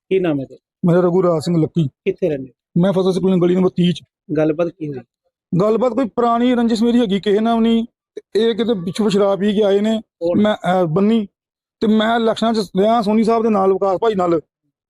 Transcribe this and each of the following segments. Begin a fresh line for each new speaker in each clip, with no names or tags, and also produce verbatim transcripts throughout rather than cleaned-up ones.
ਕੀ ਨਾਮ ਹੈ ਤੇ
ਮੇਰਾ ਰਘੂਰਾਜ ਸਿੰਘ ਲੱਕੀ।
ਕਿੱਥੇ ਰਹਿੰਦੇ?
ਮੈਂ ਫਸਲ ਸਕੂਲ ਗਲੀ ਨੰਬਰ तीस ਚ।
ਗੱਲਬਾਤ ਕੀ ਹੋਈ?
ਗੱਲਬਾਤ ਕੋਈ ਪੁਰਾਣੀ ਰੰਜਿਸ਼ ਮੇਰੀ ਹੈਗੀ ਕਿਸੇ ਨਾਲ ਵੀ ਨਹੀਂ। ਇਹ ਕਿਤੇ ਪਿੱਛੋਂ ਸ਼ਰਾਬ ਪੀ ਕੇ ਆਏ ਨੇ।
ਕੌਣ?
ਮੈਂ ਅਹ, ਬੰਨੀ ਤੇ ਮੈਂ ਇਲੈਕਸ਼ਨਾਂ ਚ ਰਿਹਾ ਸੋਨੀ ਸਾਹਿਬ ਦੇ ਨਾਲ, ਵਿਕਾਸ ਭਾਈ ਨਾਲ,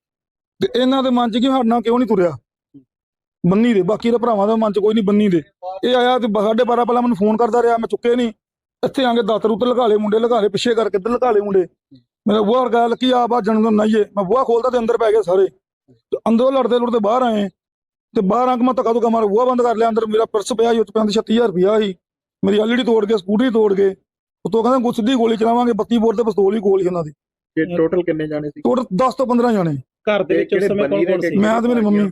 ਤੇ ਇਹਨਾਂ ਦੇ ਮਨ ਚ ਕਿ ਸਾਡੇ ਨਾਲ ਕਿਉਂ ਨਹੀਂ ਤੁਰਿਆ ਬੰਨੀ ਦੇ। ਬਾਕੀ ਦੇ ਭਰਾਵਾਂ ਦੇ ਮਨ ਚ ਕੋਈ ਨਹੀਂ ਬੰਨੀ ਦੇ। ਇਹ ਆਇਆ ਤੇ ਸਾਢੇ ਬਾਰਾਂ ਪਹਿਲਾਂ ਮੈਨੂੰ ਫੋਨ ਕਰਦਾ ਰਿਹਾ, ਮੈਂ ਚੁੱਕੇ ਨਹੀਂ। ਇੱਥੇ ਆ ਕੇ ਦਾਤਰ ਉੱਤੇ ਲਗਾ ਲਏ ਮੁੰਡੇ, ਲਗਾ ਲਏ ਪਿੱਛੇ ਕਰਕੇ ਇੱਧਰ ਲਗਾ ਲਏ ਮੁੰਡੇ। ਮੇਰਾ ਬੂਹਾ ਵਰਗਾ ਲੱਕੀ ਆ ਬਾ ਜਨਮ ਨਾਈਏ। ਮੈਂ ਬੂਹਾ ਖੋਲਦਾ ਤੇ ਅੰਦਰ ਪੈ ਗਏ ਸਾਰੇ। ਤੇ ਅੰਦਰੋਂ ਲੜਦੇ ਲੁੜਦੇ ਬਾਹਰ ਆਏ ਤੇ ਬਾਹਰ ਆ ਕੇ ਮੈਂ ਧੱਕਾ ਧੁੱਕਾ ਮਾਰ ਬੂਹਾ ਬੰਦ ਕਰ ਲਿਆ। ਅੰਦਰ ਮੇਰਾ ਪਰਸ ਪਿਆ ਸੀ, ਉੱਤੇ ਪੈਂਦੀ ਛੱਤੀ ਹਜ਼ਾਰ ਰੁਪਇਆ ਸੀ। ਮੇਰੀ ਐਲ ਈ ਡੀ ਤੋੜ ਕੇ, ਸਕੂਟਰੀ ਤੋੜ ਕੇ, ਉਤੋਂ ਕਹਿੰਦਾ ਗੁੱਸ ਦੀ ਗੋਲੀ ਚਲਾਵਾਂਗੇ। ਬੱਤੀ ਬੋਰ ਤੇ ਪਿਸਤੌਲ ਹੀ ਕੋਲ ਸੀ ਉਹਨਾਂ ਦੀ।
ਟੋਟਲ ਕਿੰਨੇ ਜਾਣੇ ਸੀ?
ਟੋਟਲ ਦਸ ਤੋਂ ਪੰਦਰਾਂ ਜਾਣੇ।
ਘਰ ਦੇ ਵਿੱਚ ਉਸ ਸਮੇਂ ਕੌਣ ਕੌਣ ਸੀ?
ਮੈਂ ਤੇ ਮੇਰੀ ਮੰਮੀ।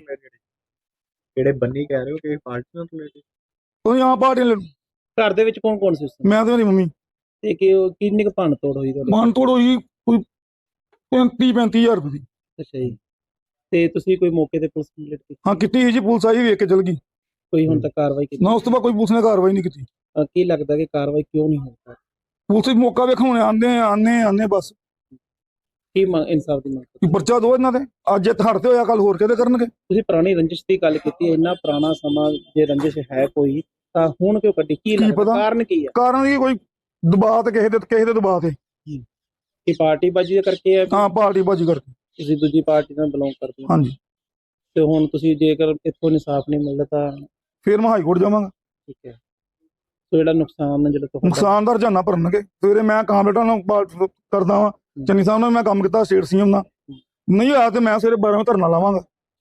ਜਿਹੜੇ ਬੰਨੀ ਕਹਿ ਰਹੇ ਹੋ ਕਿ ਪਾਰਟੀ ਨਾਲ ਰਿਲੇਟਡ?
ਤੁਸੀਂ ਆ ਪਾਰਟੀ
ਘਰ ਦੇ ਵਿੱਚ ਕੌਣ ਕੌਣ ਸੀ ਉਸ ਸਮੇਂ?
ਮੈਂ ਤੇ ਮੇਰੀ ਮੰਮੀ।
ਤੇ ਕਿ ਉਹ ਕਿੰਨੀ ਕੁ ਭੰਨ ਤੋੜ ਹੋਈ ਤੁਹਾਡੇ?
ਮਨ ਤੋੜ ਹੋਈ ਕੋਈ ਪੈਂਤੀ ਪੈਂਤੀ ਹਜ਼ਾਰ ਰੁਪਏ ਦੀ।
ਅੱਛਾ ਜੀ। ਤੇ ਤੁਸੀਂ ਕੋਈ ਮੌਕੇ ਤੇ ਪੁਲਿਸ ਕੰਪਲੀਟ ਕੀਤੀ?
ਹਾਂ ਕੀਤੀ ਸੀ ਜੀ, ਪੁਲਿਸ ਆਈ ਵੇਖ ਕੇ ਚਲ ਗਈ।
ਕੋਈ ਹੁਣ ਤੱਕ ਕਾਰਵਾਈ ਕੀਤੀ?
ਨਾ ਉਸ ਤੋਂ ਬਾਅਦ ਕੋਈ ਪੁਲਿਸ ਨੇ ਕਾਰਵਾਈ ਨਹੀਂ ਕੀਤੀ।
ਅਹ ਕੀ ਲੱਗਦਾ ਕਿ ਕਾਰਵਾਈ ਕਿਉਂ ਨਹੀਂ ਹੋਈ?
ਪੁਲਿਸ ਮੌਕਾ ਵੇਖਣ ਆਉਂਦੇ ਆਉਂਦੇ ਆਉਂਦੇ ਬਸ।
ਕੀ ਮੰਗ, ਇਨਸਾਫ ਦੀ ਮੰਗ ਕਰਦੇ?
ਵੀ ਪਰਚਾ ਦੋ ਇਹਨਾਂ ਦੇ। ਅੱਜ ਇਹ ਹੜਤੇ ਹੋਇਆ, ਕੱਲ ਹੋਰ ਕਿਤੇ ਕਰਨਗੇ।
ਤੁਸੀਂ ਪੁਰਾਣੀ ਰੰਜਿਸ਼ ਦੀ ਗੱਲ ਕੀਤੀ, ਇੰਨਾ ਪੁਰਾਣਾ ਸਮਾਂ ਜੇ ਰੰਜਿਸ਼ ਹੈ ਕੋਈ ਤਾਂ ਹੁਣ ਕਿਉਂ ਕੱਢੀ? ਕੀ ਲੱਗਦਾ
ਪਤਾ?
ਕਾਰਨ ਕੀ ਹੈ?
ਕਾਰਨ ਦੀ ਕੋਈ ਦਬਾਅ ਤੇ ਕਿਸੇ ਦੇ ਕਿਸੇ ਦੇ ਦਬਾਅ ਤੇ।
ਕਿ ਪਾਰਟੀ ਬਾਜੀ ਦੇ ਕਰਕੇ ਹੈ?
ਹਾਂ ਪਾਰਟੀ ਬਾਜੀ ਕਰਕੇ।
ਤੁਸੀਂ ਦੂਜੀ ਪਾਰਟੀ ਨਾਲ ਬਿਲੋਂਗ ਕਰਦੇ ਹੋ?
ਹਾਂਜੀ।
ਤੇ ਹੁਣ ਤੁਸੀਂ ਜੇਕਰ ਇੱਥੋਂ ਇਨਸਾਫ ਨਹੀਂ ਮਿਲਦਾ ਤਾਂ
ਫਿਰ ਮੈਂ ਹਾਈ ਕੋਰਟ ਜਾਵਾਂਗਾ।
ਠੀਕ ਹੈ। ਸੋ ਜਿਹੜਾ ਨੁਕਸਾਨ ਹੈ ਜਿਹੜਾ ਤੁਹਾਡਾ
ਨੁਕਸਾਨ ਦਾ ਰੁਝਾਨਾ ਭਰਨਗੇ। ਸਵੇਰੇ ਮੈਂ ਕਾਮਰੇਟਾਂ ਨਾਲ ਬਾਤ ਕਰਦਾ ਵਾਂ, ਚੰਨੀ ਸਾਹਿਬ ਨਾਲ ਮੈਂ ਕੰਮ ਕੀਤਾ ਸਟੇਟ ਸੀ ਐਮ ਨਾਲ। ਨਹੀਂ ਹੋਇਆ ਤੇ ਮੈਂ ਸਵੇਰੇ ਬਾਰਾਂ ਵਜੇ ਧਰਨਾ ਲਾਵਾਂਗਾ।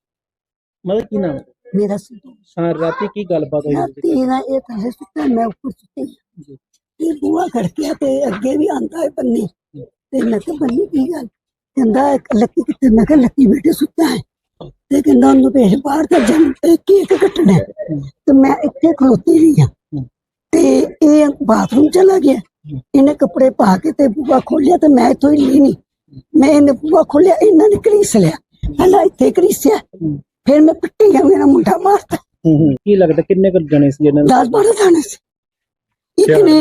ਮਤਲਬ ਕੀ ਨਾਮ ਹੈ?
मेरा सिद्धू
ਹਾਂ, ਰਾਤੀ ਕੀ ਗੱਲਬਾਤ ਹੋਈ?
राती ना ये थले सुता मैं ऊपर सुती ये बुआ खड़किया ते अगे भी आंदा है बन्नी ते मैं तो बन्नी की गल कहंदा लक्की किते मैं कहा लक्की बेटे सुता है ते कहंदा ओनु भेज बाहर ते जन केक कटना ते मैं इत्थे खलोती रही हां ते ये बाथरूम चला गया। इन्हें कपड़े पा के ते बुआ खोलिया ते मैं इत्थों हिली नहीं। मैं इन्हें बुआ खोलिया, इन्हां ने घड़ीस लिया, पहला इत्थे घड़ीसिया, फिर मैं पिट्टी गया, मेरा मुंडा मारता।
ਕੀ ਲੱਗਦਾ ਕਿੰਨੇ ਕੁ ਜਣੇ ਸੀ ਇਹਨਾਂ
दस बारह जाने से एक ने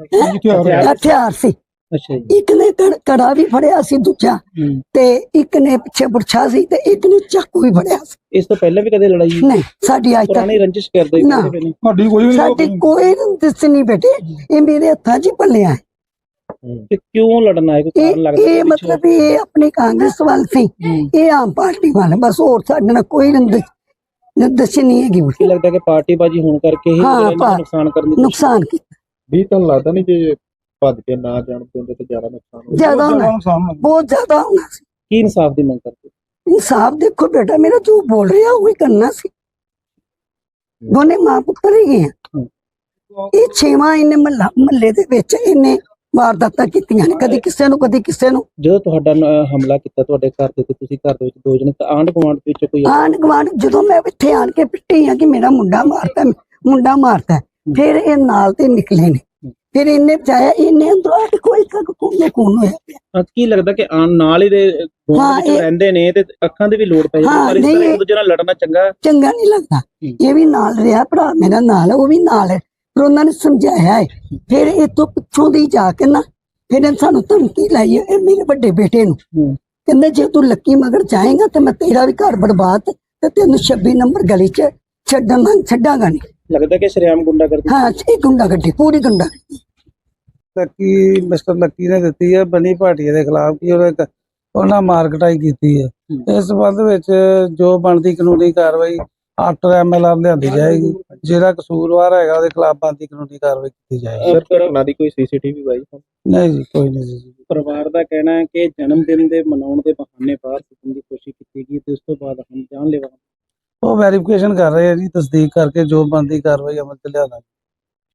हथियार से
ਅੱਛਾ ਜੀ।
एक ने कड़- कड़ा भी फड़िया सी दूजा ते एक ने पिछे बुरछा सी ते एक ने चाकू भी फड़िया सी।
ਇਸ ਤੋਂ ਪਹਿਲਾਂ ਵੀ ਕਦੇ ਲੜਾਈ?
नहीं साडी आज तक
ਪੁਰਾਣੀ ਰੰਜਿਸ਼ ਕਰਦੇ
ਨਾ।
ਕਿਸੇ ਨੇ?
ਸਾਡੀ ਕੋਈ ਵੀ
साडी
ਨਹੀਂ।
कोई दिस नहीं बेटे, ये मेरे हथा च पलिया है।
ਤੇ ਕਿਉਂ लड़ना है? कोई
ये
कारण लगता
ये
है
मतलब ये अपनी कांग्रेस वाल सी, ये आम पार्टी वाले बस, और साडे नाल कोई निर्देश नहीं है।
ਕੀ ਲੱਗਦਾ ਕਿ ਪਾਰਟੀ ਬਾਜੀ ਹੋਣ ਕਰਕੇ ਹੀ
ਹਾਂ,
ਜਿਹੜਾ ਇਹਨਾਂ ਨੂੰ ਨੁਕਸਾਨ ਕਰਨ ਦੀ
नुकसान की
ਵੀ ਤੁਹਾਨੂੰ ਲੱਗਦਾ ਨਹੀਂ ਜੇ ਭੱਜ ਕੇ ਨਾ ਜਾਣ ਦਿੰਦੇ ਤੇ ਜ਼ਿਆਦਾ ਨੁਕਸਾਨ ਹੋਊ?
ज्यादा
ਬਹੁਤ
होना,
ਨੁਕਸਾਨ ਹੋਣਾ।
बहुत ज्यादा होना सी।
ਕੀ ਇਨਸਾਫ ਦੀ ਮੰਗ ਕਰਦੇ?
इंसाफ देखो बेटा, मेरा जो बोल रहा है वही करना सी। दोने मां पुत्र ही हैं। ये छेवां इन्हें महला महल्ले दे विच इन्हें वारदातां कीतियां ने, कदी किसे नूं कदी किसे नूं।
ਜਦੋਂ ਤੁਹਾਡਾ ਨ- ਹਮਲਾ ਕੀਤਾ ਤੁਹਾਡੇ ਘਰ ਦੇ ਤੇ ਤੁਸੀਂ ਘਰ ਦੇ ਵਿੱਚ ਦੋ ਜਣੇ ਤਾਂ ਆਂਢ ਗੁਆਂਢ ਵਿੱਚ ਕੋਈ
आंढ गुआंढ जदों मैं इत्थे आन के पिट्टी हां कि मेरा मुंडा मारता मुंडा मारता फिर ये नाल ते निकले ने, फिर इन्हें बचाया, इन्हें अंदरों आके कोई तक कोने कोन होया पिया।
ਹਾਂ, ਕੀ ਲੱਗਦਾ ਕਿ ਆਣ ਨਾਲ ਹੀ ਦੇ ਗੁਆਂਢ
ਹਾਂ,
ਵਿੱਚ
ਇਹ-
ਰਹਿੰਦੇ ਨੇ ਤੇ ਅੱਖਾਂ ਦੀ ਵੀ ਲੋੜ ਪੈ ਜਾਂਦੀ
ਹਾਂ,
ਪਰ ਇਸ
ਨਹੀਂ,
ਤਰ੍ਹਾਂ ਇੱਕ
ਇਹ-
ਦੂਜੇ ਨਾਲ ਲੜਨਾ ਚੰਗਾ?
चंगा नहीं लगता। ये भी नाल रहा, भरा मेरा नाल है, वो भी नाल है, फिर उन्होंने समझाया है। फिर इतों पिछों दी जाके ना फिर सानू धमकी लाई है मेरे बड़े बेटे नूं, कहंदे जे तू लक्की मगर जाएगा तो मैं तेरा भी घर बर्बाद ते तेनू छब्बी नंबर गली च छड्डांगा छड्डांगा नहीं।
ਲੱਗਦਾ ਕਿ ਸ਼ਰੇਆਮ ਗੁੰਡਾ ਕਰਦੀ?
हाँ ये गुंडा गड्डी पूरी गुंडा
ਲੱਕੀ ਮਿਸਟਰ ਲੱਕੀ ਨੇ ਦਿੱਤੀ ਹੈ ਬਨੀ ਭਾਟੀਆ ਦੇ ਖਿਲਾਫ ਕਿ ਉਹਨੇ ਕ- ਉਹਨਾਂ ਮਾਰਕਟਾਈ ਕੀਤੀ ਹੈ। ਇਸ ਸੰਬੰਧ ਵਿੱਚ ਜੋ ਬਣਦੀ ਕਾਨੂੰਨੀ ਕਾਰਵਾਈ ਆਫਟਰ ਐਮ ਐਲ ਆਰ ਲਿਆਂਦੀ ਜਾਏਗੀ। ਜਿਹੜਾ ਕਸੂਰਵਾਰ ਹੈਗਾ ਉਹਦੇ ਖਿਲਾਫ ਬਣਦੀ ਕਾਨੂੰਨੀ ਕਾਰਵਾਈ ਕੀਤੀ ਜਾਏਗੀ।
ਸਰ ਘਟਨਾ ਦੀ ਕੋਈ ਸੀਸੀਟੀਵੀ ਬਾਈ?
ਨਹੀਂ ਜੀ ਕੋਈ ਨਹੀਂ ਜੀ।
ਪਰਿਵਾਰ ਦਾ ਕਹਿਣਾ ਹੈ ਕਿ ਜਨਮ ਦਿਨ ਦੇ ਮਨਾਉਣ ਦੇ ਬਹਾਨੇ ਬਾਹਰ ਸੁੱਟਣ ਦੀ ਕੋਸ਼ਿਸ਼ ਕੀਤੀ ਗਈ ਤੇ ਉਸ ਤੋਂ ਬਾਅਦ ਹਮ ਜਾਨ ਲੈਵਾ
ਉਹ ਵੈਰੀਫਿਕੇਸ਼ਨ ਕਰ ਰਹੇ ਆ ਜੀ, ਤਸਦੀਕ ਕਰਕੇ ਜੋ ਬਣਦੀ ਕਾਰਵਾਈ ਅਮਲ ਚ ਲਿਆਵਾਂਗੇ।